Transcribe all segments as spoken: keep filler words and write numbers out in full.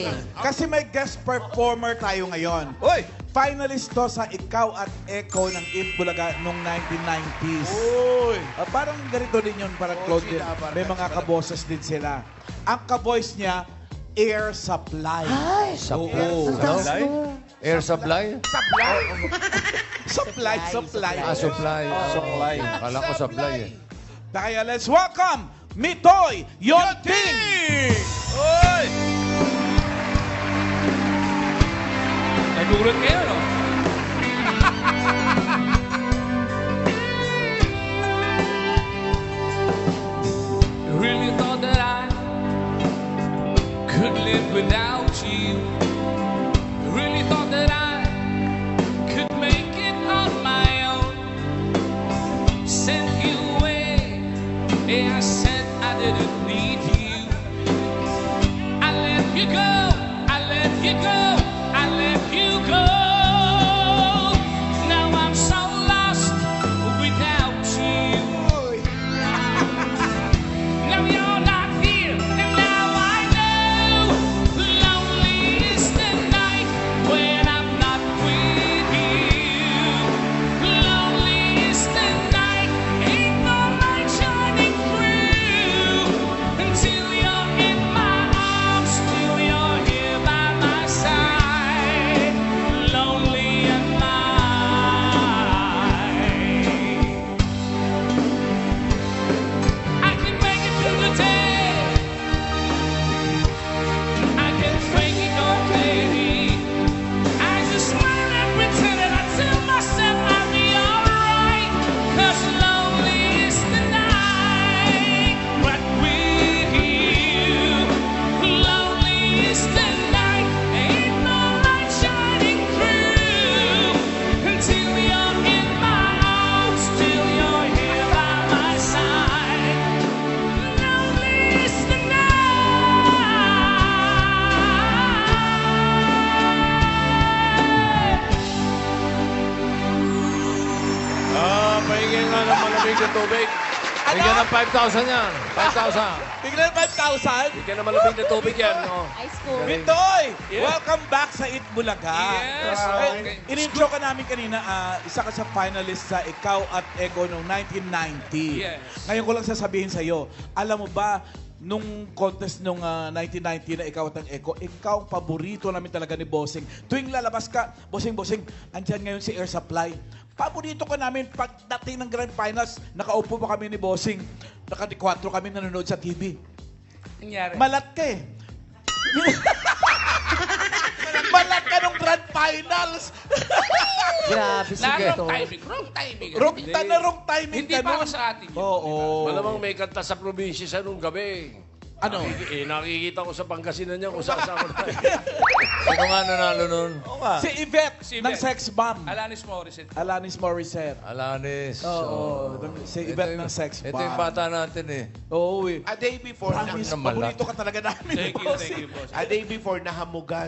Kasi may guest performer tayo ngayon. Uy! Finalist to sa Ikaw at Echo ng Eat Bulaga noong nineteen nineties. Uy! Ah, parang ganito din yun, parang Oo, Claude din. sila, parang May mga sila. kaboses din sila. Ang kaboys niya, Air Supply. Ay, Supply? Oo. Supply? Air supply? Supply. supply, supply. Ah, supply. Supply. Kala ko supply eh. Kaya let's welcome Mitoy Yonting! Uy! Nagulat kayo, no? Really thought that I could live without you. Really thought that I could make it on my own. Sent you away. Yeah, I said I didn't need you. I let you go. I let you go. I let you go. Now I'm so lost without you. Now you're not here, and now I know. Lonely is the night when I'm not with you. Lonely is the night, ain't no light shining through. Until you're in my arms, till you're here by my side. Lonely am I. I can make it through the day. I can fake it or baby. I just smile and pretend and I tell myself I'll be alright. Cause lonely is the night. But with you, lonely is the night. Ain't no light shining through. Until you're in my arms, till you're here by my side. Lonely is the night. Ah, pahingin nga ng malamig na tubig. Bigyan ng five thousand yan. five thousand. Bigla na five thousand? Bigyan ng malamig na tubig yan. Oh. Ice cold. Mitoy! Yeah. Welcome back sa Eat Bulaga. Yes, Ah, okay. in-intro ka namin kanina, ah, isa ka sa finalist sa Ikaw at Echo noong nineteen ninety. Yes. Ngayon ko lang sasabihin sa'yo, alam mo ba, nung contest nung ah, nineteen ninety na Ikaw at ang Echo, ikaw ang paborito namin talaga ni Bossing. Tuwing lalabas ka, Bossing, Bossing, andyan ngayon si Air Supply. Paborito ka namin pagdating ng Grand Finals, nakaupo pa kami ni Bossing. Nakati-kwatro kami nanonood sa T V. Nangyari. Malat ka eh. Malat ka nung Grand Finals. Grabe, Na sige. wrong timing, wrong timing. Wrong ta na wrong timing Hindi ka para nun. sa atin yun. Oo. Malamang may kanta sa probinsya sa nung gabi. Ano? Eh, nakikita ko sa Pangasinan niya kung saan-saan na. Sino nga nanalo nun? Oo nga. Si Yvette Si ng Yvette. Sex Bomb. Alanis Morissette. Alanis Morissette. Alanis. Oo. Si Yvette ng Sex Ito Bomb. yung bata natin eh. Oo eh. A day before na, Promise, naman lang. paborito ka talaga namin. Thank you, thank you, boss. a day before nahamugan.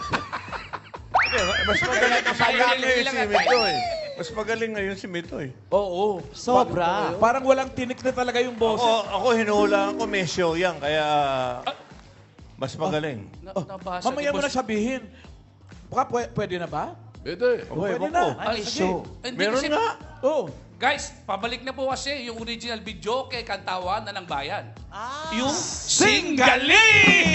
Mas magaling Ayaw sa niya ngayon lang si at- Mitoy. Mas magaling ngayon si Mitoy. Oo. Sobra. Parang walang tinik na talaga yung boses. Ako, ako hinuhulaan ko may show yan, kaya mas magaling. Na, Oh, nabasa mamaya ni mo na boss. sabihin. Baka pwe- pwede na ba? Pwede. Oh, Okay, pwede ewan na. ko. Ay, Sige. Hindi Meron kasi- nga. Oo. Guys, pabalik na po kasi yung original video kay Kantawan na ng Bayan. Yung Singali!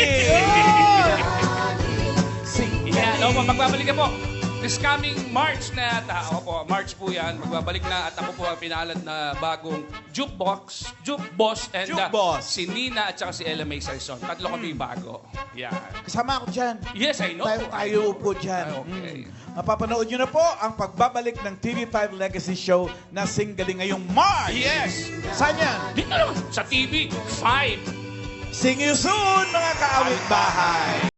Yeah, no, magbabalik na po. This coming March na, ta, ako po, March po yan, magbabalik na at ako po ang pinalad na bagong Jukebox, Jukeboss, and uh, Jukeboss. si Nina at saka si Ella May Saison. Tatlo kami bago. Yeah. Kasama ako dyan. Yes, I know. Tayo, tayo upo dyan. Ay, okay. Mm. Mapapanood nyo na po ang pagbabalik ng T V five Legacy Show na singgaling ngayong March. Yes! Saan yan? Dito lang, sa T V five. See you soon, mga kaawit bahay.